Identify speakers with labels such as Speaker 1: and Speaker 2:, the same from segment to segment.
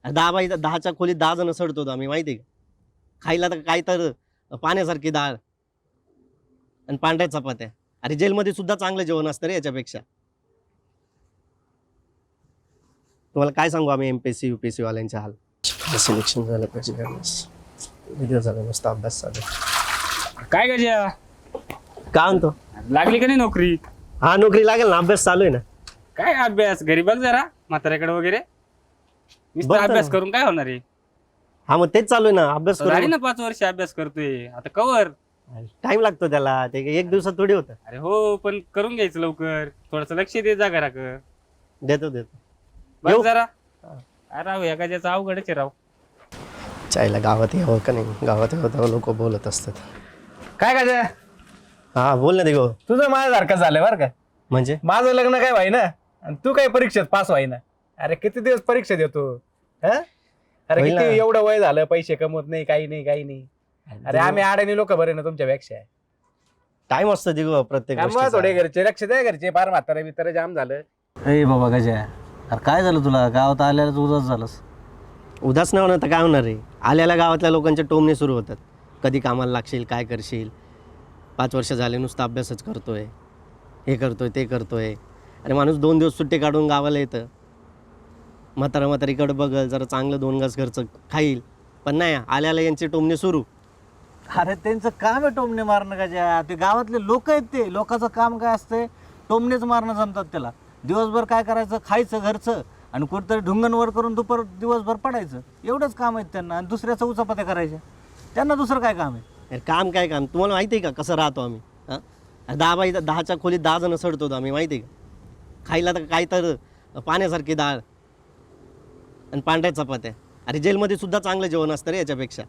Speaker 1: दहाच्या खोलीत 10 जण सडतो होतो आम्ही, माहिती आहे का? खायला तर काय तर पाण्यासारखी डाळ आणि पांढऱ्या चपात्या. अरे जेलमध्ये सुद्धा चांगलं जेवण असतं रे याच्यापेक्षा. तुम्हाला काय सांगू आम्ही एमपीएससी युपीएससी वाल्यांच्या हाल. सिलेक्शन झालं पाहिजे व्हिडिओ झाला, मस्त अभ्यास चालू.
Speaker 2: काय गजा
Speaker 1: काय म्हणतो?
Speaker 2: लागली का नाही नोकरी?
Speaker 1: हा नोकरी लागेल ना, अभ्यास चालू आहे ना.
Speaker 2: काय अभ्यास? घरी बघ जरा म्हाताऱ्याकडे वगैरे. नुसता
Speaker 1: बघतो
Speaker 2: अभ्यास
Speaker 1: ना.
Speaker 2: करून काय होणार आहे?
Speaker 1: हा मग तेच चालू आहे ना, अभ्यास
Speaker 2: झाली
Speaker 1: करून.
Speaker 2: ना 5 वर्ष अभ्यास करतोय आता कवर.
Speaker 1: टाइम लागतो त्याला, ते काही एक दिवसात थोडी होतं.
Speaker 2: अरे हो, पण करून घ्यायचं लवकर. थोडस लक्ष दे जा घराकडे.
Speaker 1: देतो
Speaker 2: बघ
Speaker 1: येऊ?
Speaker 2: जरा. अरे राव या गजाचं अवघडच आहे राव.
Speaker 1: चायला गावात यावं का नाही, गावात यावं लोक बोलत असतात.
Speaker 3: काय काय
Speaker 1: हा बोल ना दिगो.
Speaker 3: तुझं माझ्यासारखं झालंय बरं का.
Speaker 1: म्हणजे
Speaker 3: माझं लग्न काय व्हाय ना आणि तू काय परीक्षेत पास व्हाय ना. अरे किती दिवस परीक्षा देतो हा? अरे
Speaker 1: होईल
Speaker 3: किती
Speaker 1: ना.
Speaker 3: एवढं वय झालं, पैसे कमवत नाही, काही नाही काही नाही. अरे आम्ही अडाणी लोक बरे ना तुमच्यापेक्षा.
Speaker 1: टाइम असतो दिगो प्रत्येक
Speaker 3: त्यामुळे
Speaker 1: गोष्टीचा.
Speaker 3: थोडे घरचे लक्ष द्या, घरचे फार म्हातारा बितारा जाम झालं.
Speaker 4: ए बाबा गजा, अरे काय झालं तुला? गावात आल्याला तू उदास झालंस.
Speaker 1: उदास नाही होणार तर काय होणार रे. आल्याला गावातल्या लोकांचे टोमणे सुरू होतात. कधी कामाला लागशील, काय करशील, 5 वर्ष झाले नुसता अभ्यासच करतोय, हे करतोय ते करतोय. अरे माणूस 2 दिवस सुट्टी काढून गावाला येतं, म्हातारीकडे बघल, जरा चांगलं 2 घास घरचं खाईल. पण नाही, आल्याला यांचे टोमणे सुरू.
Speaker 4: अरे त्यांचं काम आहे टोमणे मारणं गजा. ते गावातले लोक आहेत, ते लोकांचं काम काय असतंय? टोमणेच मारणं जमतात त्याला. दिवसभर काय करायचं? खायचं घरचं आणि कुठेतरी ढुंगणवर करून दिवसभर पडायचं. एवढंच काम आहेत त्यांना. आणि दुसऱ्याचं उचापत्या करायच्या. त्यांना दुसरं काय काम आहे?
Speaker 1: अरे काम काय काम, तुम्हाला माहिती आहे का कसं राहतो आम्ही? हां 10च्या खोलीत 10 जण सडतो होतो आम्ही, माहिती आहे का? खायला तर काय तर पाण्यासारखी डाळ आणि पांढऱ्या चपात्या. अरे जेलमध्ये सुद्धा चांगलं जेवण असतं रे याच्यापेक्षा.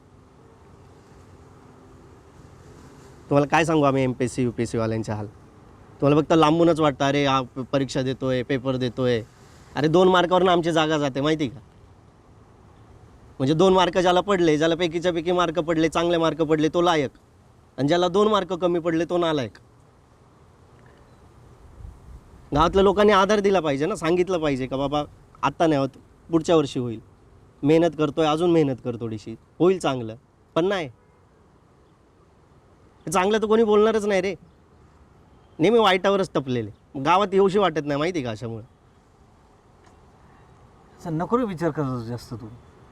Speaker 1: तुम्हाला काय सांगू आम्ही एमपीएससी युपीएससी वाल्यांच्या हाल. तुम्हाला फक्त लांबूनच वाटतं अरे हा परीक्षा देतोय, पेपर देतोय. अरे 2 मार्कावरनं आमची जागा जाते, माहिती आहे का? म्हणजे 2 मार्क ज्याला पडले, ज्याला पैकीच्या पैकी मार्क पडले, चांगले मार्क पडले, तो लायक. आणि ज्याला 2 मार्क कमी पडले तो नालायक. गावातल्या लोकांनी आधार दिला पाहिजे ना, सांगितलं पाहिजे का बाबा आत्ता नाही होत, पुढच्या वर्षी होईल. मेहनत करतोय, अजून मेहनत कर थोडीशी, होईल चांगलं. पण नाही, चांगलं तर कोणी बोलणारच नाही रे. नेहमी वाईटावरच टपलेले. गावात येऊशी वाटत नाही, माहिती का? अशामुळे
Speaker 4: असं नको रे विचार करत जास्त तू.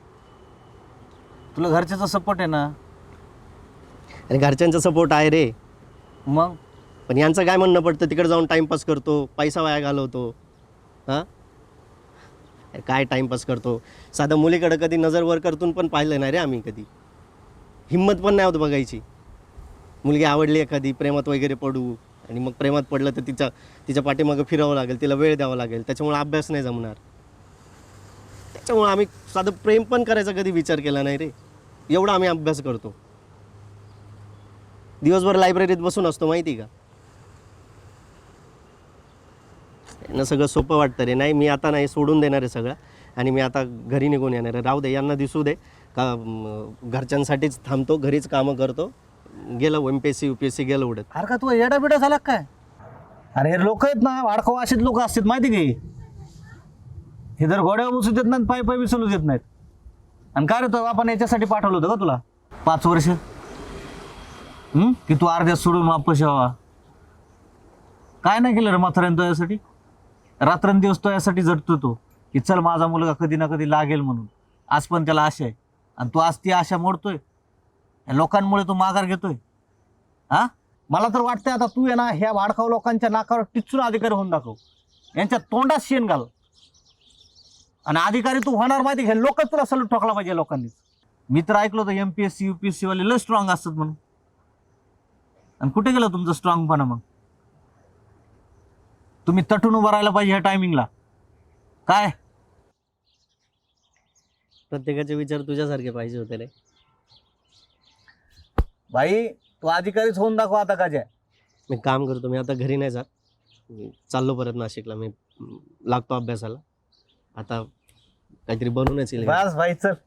Speaker 4: तुला घरच्याचा सपोर्ट आहे ना.
Speaker 1: आणि घरच्यांचा सपोर्ट आहे रे.
Speaker 4: मग
Speaker 1: पण यांचं काय म्हणणं पडतं, तिकडे जाऊन टाईमपास करतो, पैसा वाया घालवतो. हां काय टाईमपास करतो. साधं मुलीकडं कधी नजर वर करतून पण पाहिलं नाही रे आम्ही कधी. हिंमत पण नाही होत बघायची. मुलगी आवडली एखादी, प्रेमात वगैरे पडू, आणि मग प्रेमात पडलं तर तिच्या पाठीमागं फिरावं लागेल, तिला वेळ द्यावा लागेल. त्याच्यामुळे अभ्यास नाही जमणार. त्याच्यामुळे आम्ही साधं प्रेम पण करायचा कधी विचार केला नाही रे. एवढा आम्ही अभ्यास करतो. दिवसभर लायब्ररीत बसून असतो, माहिती का? यांना सगळं सोपं वाटतं रे. नाही, मी आता नाही, सोडून देणार आहे सगळं आणि मी आता घरी निघून येणार आहे. राहू दे, यांना दिसू दे का घरच्यांसाठीच थांबतो, घरीच कामं करतो. गेलं एमपीएससी युपीएससी गेलं उडत.
Speaker 4: अरे का तू येडा बिडा झाला काय? अरे हे लोक आहेत ना, वाडखाव असेच लोक असतात, माहिती घे. हे जर घोड्यावर बसू देत नाहीत, पायी पायी विसरू देत नाहीत. आणि काय रे, तो आपण याच्यासाठी पाठवलं होतं का तुला 5 वर्ष? की तू अर्ध्यात सोडून वापस यावा. काय नाही केलं रे म्हाताऱ्यानं तो यासाठी. रात्रंदिवस तो यासाठी झटतो तो, की चल माझा मुलगा कधी ना कधी लागेल म्हणून. आज पण त्याला आशा आहे आणि तू आज ती आशा मोडतोय. लोकांमुळे तू माघार घेतोय. हा मला तर वाटतंय आता तू आहे ना, ह्या वाडखाव लोकांच्या नाकावर टिचून अधिकारी होऊन दाखव. यांच्या तोंडात शेण घाल आणि अधिकारी तू होणार, माहिती घे. लोकच तुला सलूट ठोकला पाहिजे लोकांनी. मी तर ऐकलं होतं एमपीएससी युपीएससी वाले लय स्ट्रॉंग असतात म्हणून. आणि कुठे गेलं तुमचं स्ट्रॉंगपणा? मग तुम्ही तटून उभं राहायला पाहिजे ह्या टायमिंगला. काय
Speaker 1: प्रत्येकाचे विचार तुझ्यासारखे पाहिजे होते रे.
Speaker 4: भाई, तू अधिकारीच होऊन दाखव आता. का
Speaker 1: मी काम करतो, मी आता घरी नाही जात. मी चाललो परत नाशिकला. मी लागतो अभ्यासाला. आता काहीतरी बनवूनच येईल.
Speaker 4: बस भाई, चल.